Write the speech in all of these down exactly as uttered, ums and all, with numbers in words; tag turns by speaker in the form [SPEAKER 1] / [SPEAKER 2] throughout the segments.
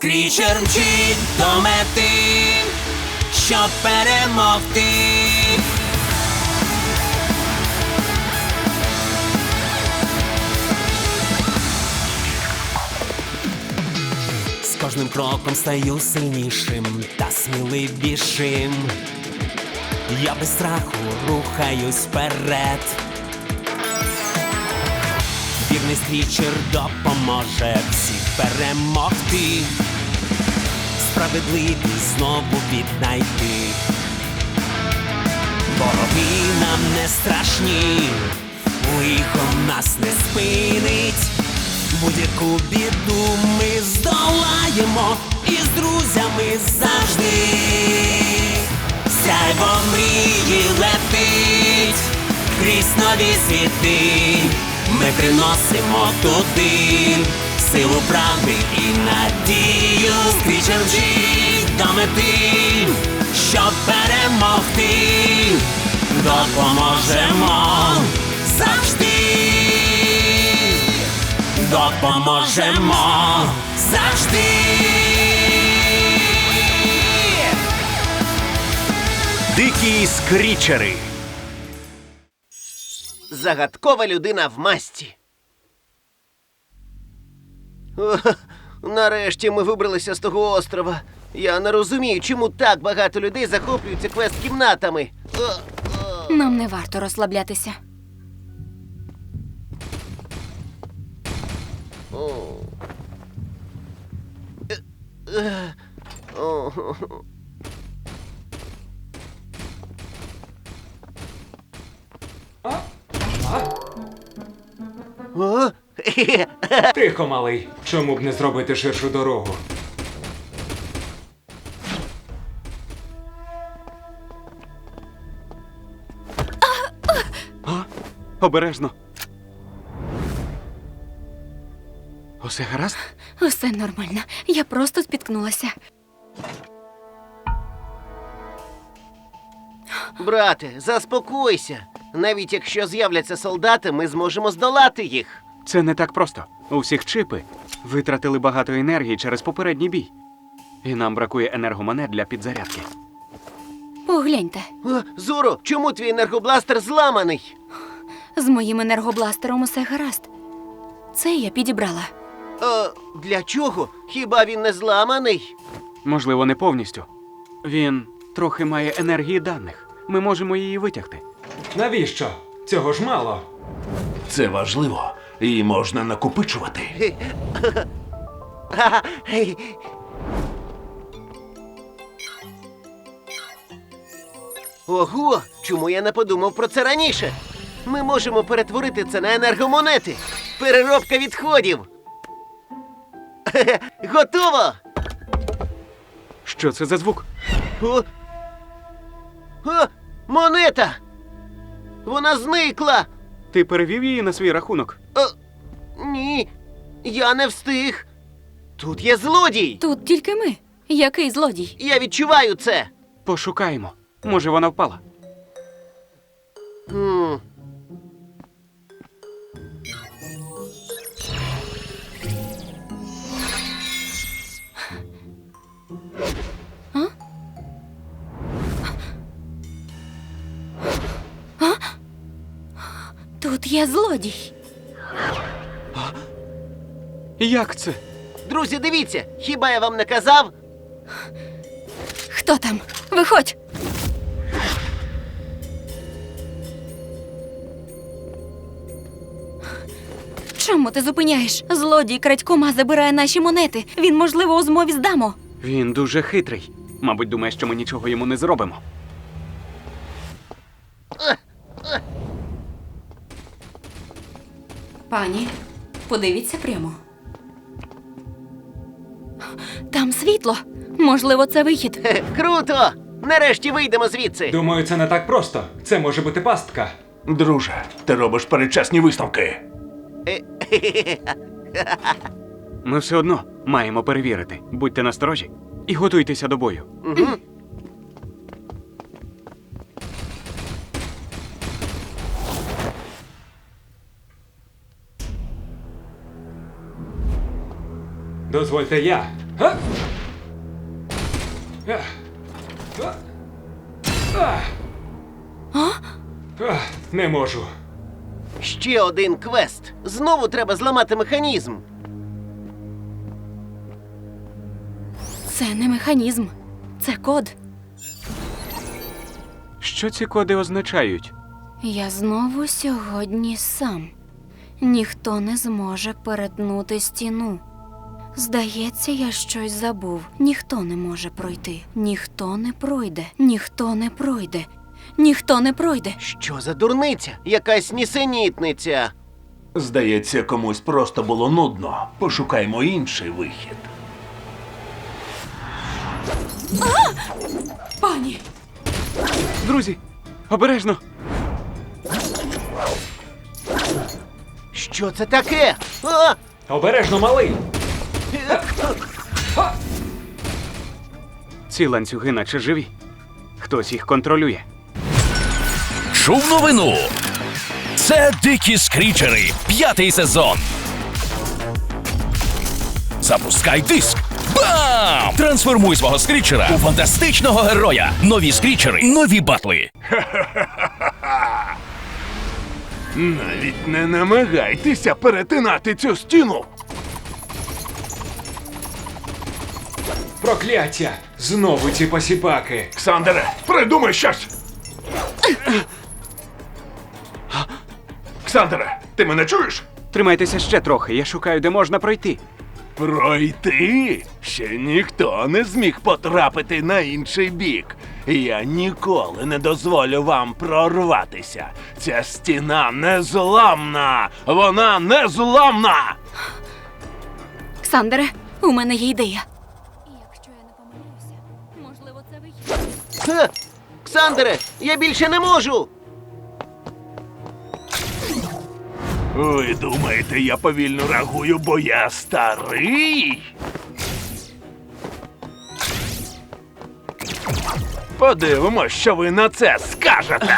[SPEAKER 1] Скрічер мчить до мети, щоб перемогти. З кожним кроком стаю сильнішим та сміливішим. Я без страху рухаюсь вперед. Вірний скрічер допоможе всіх перемогти, справедливість знову віднайти. Вороги нам не страшні, лихо нас не спинить. Будь-яку біду ми здолаємо і з друзями завжди. Сяйво мрії летить крізь нові світи. Ми приносимо туди силу правди і надію. Скрічер мчить до мети, щоб перемогти. Допоможемо завжди. Допоможемо завжди.
[SPEAKER 2] Дикі скрічери.
[SPEAKER 3] Загадкова людина в масці. О, нарешті ми вибралися з того острова. Я не розумію, чому так багато людей захоплюються квест-кімнатами. О, о.
[SPEAKER 4] Нам не варто розслаблятися.
[SPEAKER 3] О. Е, е, о. О?
[SPEAKER 5] Тихо, малий. Чому б не зробити ширшу дорогу?
[SPEAKER 2] А? Обережно. Усе гаразд?
[SPEAKER 4] Усе нормально. Я просто спіткнулася.
[SPEAKER 3] Брате, заспокойся. Навіть якщо з'являться солдати, ми зможемо здолати їх.
[SPEAKER 2] Це не так просто. У всіх чипи витратили багато енергії через попередній бій. І нам бракує енергомонет для підзарядки.
[SPEAKER 4] Погляньте.
[SPEAKER 3] О, Зоро, чому твій енергобластер зламаний?
[SPEAKER 4] З моїм енергобластером усе гаразд. Це я підібрала.
[SPEAKER 3] О, для чого? Хіба він не зламаний?
[SPEAKER 2] Можливо, не повністю. Він трохи має енергії даних. Ми можемо її витягти.
[SPEAKER 5] Навіщо? Цього ж мало.
[SPEAKER 6] Це важливо. І можна накопичувати.
[SPEAKER 3] Ха-ха, гей. Ого, чому я не подумав про це раніше? Ми можемо перетворити це на енергомонети. Переробка відходів. Хе-хе, готово!
[SPEAKER 2] Що це за звук?
[SPEAKER 3] О! О! Монета! Вона зникла!
[SPEAKER 2] Ти перевів її на свій рахунок?
[SPEAKER 3] О, ні, я не встиг. Тут є злодій!
[SPEAKER 4] Тут тільки ми. Який злодій?
[SPEAKER 3] Я відчуваю це.
[SPEAKER 2] Пошукаємо. Може, вона впала?
[SPEAKER 3] Хм.
[SPEAKER 4] Тут є злодій.
[SPEAKER 2] Як це?
[SPEAKER 3] Друзі, дивіться, хіба я вам не казав?
[SPEAKER 4] Хто там? Виходь! Чому ти зупиняєш? Злодій крадькома забирає наші монети. Він, можливо, у змові з Дамо.
[SPEAKER 2] Він дуже хитрий. Мабуть, думає, що ми нічого йому не зробимо.
[SPEAKER 4] Пані, подивіться прямо. Там світло. Можливо, це вихід.
[SPEAKER 3] Хе, круто! Нарешті вийдемо звідси.
[SPEAKER 5] Думаю, це не так просто. Це може бути пастка.
[SPEAKER 6] Друже, ти робиш передчасні висновки.
[SPEAKER 3] Е,
[SPEAKER 2] Ми все одно маємо перевірити. Будьте насторожі і готуйтеся до бою.
[SPEAKER 3] Угу.
[SPEAKER 5] Дозвольте я. Га? Ах. А. А. Ах, не можу.
[SPEAKER 3] Ще один квест. Знову треба зламати механізм.
[SPEAKER 4] Це не механізм, це код.
[SPEAKER 2] Що ці коди означають?
[SPEAKER 4] Я знову сьогодні сам. Ніхто не зможе перетнути стіну. Здається, я щось забув. Ніхто не може пройти. Ніхто не пройде. Ніхто не пройде. Ніхто не пройде.
[SPEAKER 3] Що за дурниця? Якась нісенітниця.
[SPEAKER 6] Здається, комусь просто було нудно. Пошукаймо інший вихід.
[SPEAKER 4] Пані!
[SPEAKER 2] Друзі, обережно!
[SPEAKER 3] Що це таке? А!
[SPEAKER 5] Обережно, малий!
[SPEAKER 2] Ці ланцюги наче живі. Хтось їх контролює.
[SPEAKER 1] Чув новину. Це дикі скрічери. П'ятий сезон. Запускай диск. Бам! Трансформуй свого скрічера у фантастичного героя. Нові скрічери, нові батли.
[SPEAKER 6] Навіть не намагайтеся перетинати цю стіну.
[SPEAKER 5] Прокляття! Знову ці посіпаки!
[SPEAKER 6] Ксандере, придумай щось! Ксандере, ти мене чуєш?
[SPEAKER 2] Тримайтеся ще трохи, я шукаю, де можна пройти.
[SPEAKER 6] Пройти? Ще ніхто не зміг потрапити на інший бік. Я ніколи не дозволю вам прорватися. Ця стіна незламна! Вона незламна!
[SPEAKER 4] Ксандере, у мене є ідея. Якщо я не помиляюся, можливо, це вихід.
[SPEAKER 3] Ха! Ксандере, я більше не можу!
[SPEAKER 6] Ви думаєте, я повільно реагую, бо я старий? Подивимось, що ви на це скажете.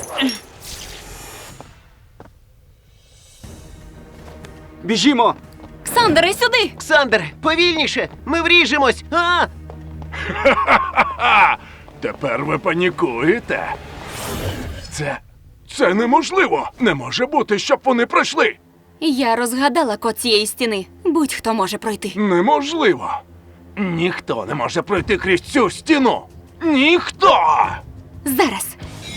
[SPEAKER 2] Біжімо!
[SPEAKER 4] Ксандере, сюди!
[SPEAKER 3] Ксандере, повільніше! Ми вріжемось! А!
[SPEAKER 6] А, тепер ви панікуєте. Це. Це неможливо! Не може бути, щоб вони пройшли!
[SPEAKER 4] Я розгадала код цієї стіни. Будь-хто може пройти.
[SPEAKER 6] Неможливо! Ніхто не може пройти крізь цю стіну! Ніхто!
[SPEAKER 4] Зараз.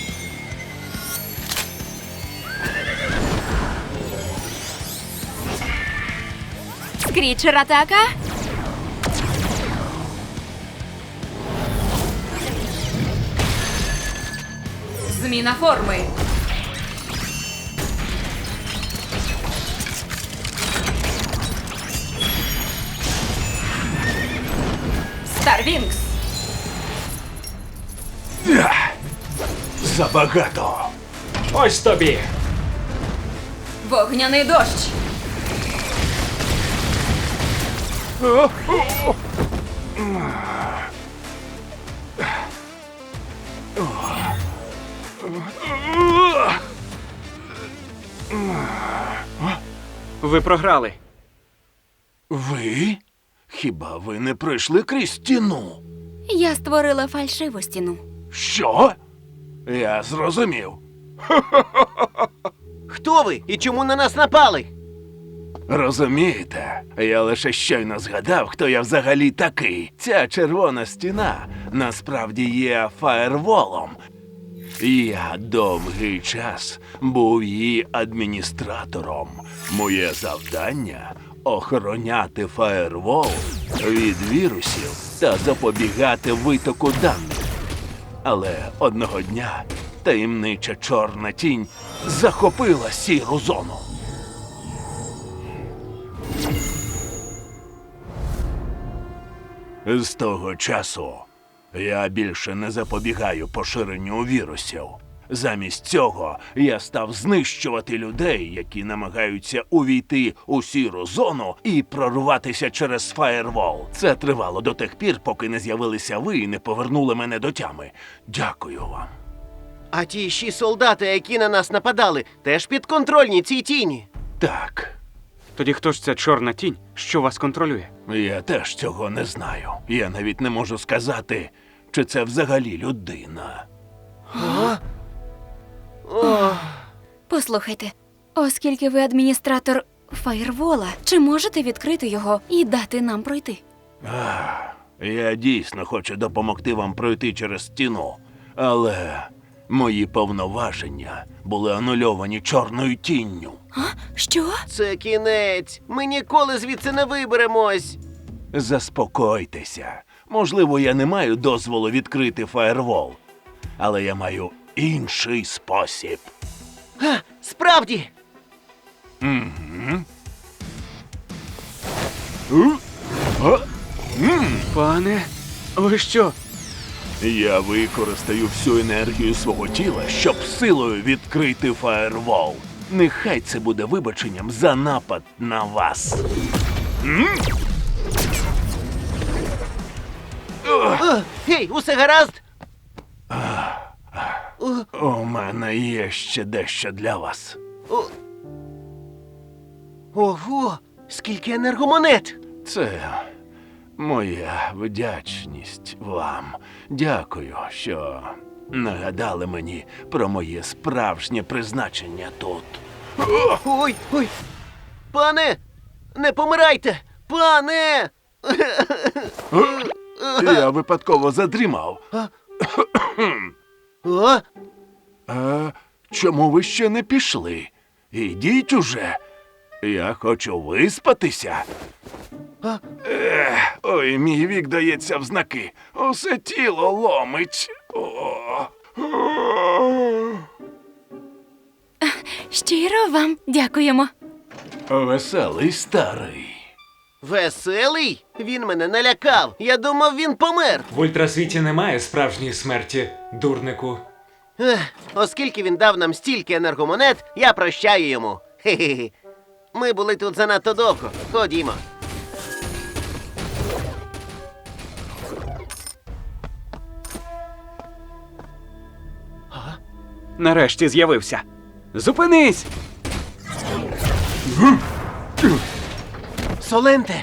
[SPEAKER 4] Скрічер атака. Зміна форми. Старвінкс.
[SPEAKER 6] Ах, забагато!
[SPEAKER 5] Ось тобі!
[SPEAKER 4] Вогняний дощ.
[SPEAKER 2] Ви програли.
[SPEAKER 6] Ви? Хіба ви не пройшли крізь стіну?
[SPEAKER 4] Я створила фальшиву стіну.
[SPEAKER 6] Що? Я зрозумів.
[SPEAKER 3] Хто ви і чому на нас напали?
[SPEAKER 6] Розумієте, я лише щойно згадав, хто я взагалі такий. Ця червона стіна насправді є фаєрволом. Я довгий час був її адміністратором. Моє завдання – охороняти фаєрвол від вірусів та запобігати витоку даних. Але одного дня таємнича чорна тінь захопила сіру зону. З того часу я більше не запобігаю поширенню вірусів. Замість цього я став знищувати людей, які намагаються увійти у сіру зону і прорватися через фаєрвол. Це тривало до тих пір, поки не з'явилися ви і не повернули мене до тями. Дякую вам.
[SPEAKER 3] А ті ще солдати, які на нас нападали, теж підконтрольні цій тіні.
[SPEAKER 6] Так,
[SPEAKER 2] Тоді хто ж ця чорна тінь, що вас контролює?
[SPEAKER 6] Я теж цього не знаю. Я навіть не можу сказати, чи це взагалі людина.
[SPEAKER 4] Послухайте, оскільки ви адміністратор фаєрвола, чи можете відкрити його і дати нам пройти?
[SPEAKER 6] Ах, я дійсно хочу допомогти вам пройти через стіну, але мої повноваження були анульовані чорною тінню.
[SPEAKER 4] А? Що?
[SPEAKER 3] Це кінець. Ми ніколи звідси не виберемось.
[SPEAKER 6] Заспокойтеся. Можливо, я не маю дозволу відкрити фаєрвол, але я маю інший спосіб.
[SPEAKER 3] А, справді.
[SPEAKER 2] Пане, ви що?
[SPEAKER 6] Я використаю всю енергію свого тіла, щоб силою відкрити фаєрвол. Нехай це буде вибаченням за напад на вас.
[SPEAKER 3] О, гей, усе гаразд?
[SPEAKER 6] У мене є ще дещо для вас.
[SPEAKER 3] О. Ого, скільки енергомонет!
[SPEAKER 6] Це моя вдячність вам. Дякую, що нагадали мені про моє справжнє призначення тут.
[SPEAKER 3] Ой, ой. Пане, не помирайте! Пане!
[SPEAKER 6] Я випадково задрімав.
[SPEAKER 3] О,
[SPEAKER 6] А чому ви ще не пішли? Ідіть уже. Я хочу виспатися.
[SPEAKER 3] А?
[SPEAKER 6] Ех, ой, мій вік дається в знаки. Усе тіло ломить. О.
[SPEAKER 4] Щиро вам дякуємо.
[SPEAKER 6] Веселий старий.
[SPEAKER 3] веселий? Він мене налякав. Я думав, він помер.
[SPEAKER 5] В ультрасвіті немає справжньої смерті, дурнику.
[SPEAKER 3] Ех, оскільки він дав нам стільки енергомонет, я прощаю йому. Хе-хе-хе. Ми були тут занадто довго. Ходімо.
[SPEAKER 2] Нарешті з'явився. Зупинись!
[SPEAKER 3] Соленте!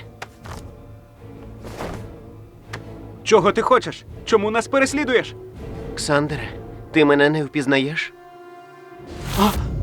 [SPEAKER 2] Чого ти хочеш? Чому нас переслідуєш?
[SPEAKER 3] Ксандере, ти мене не впізнаєш?
[SPEAKER 2] А,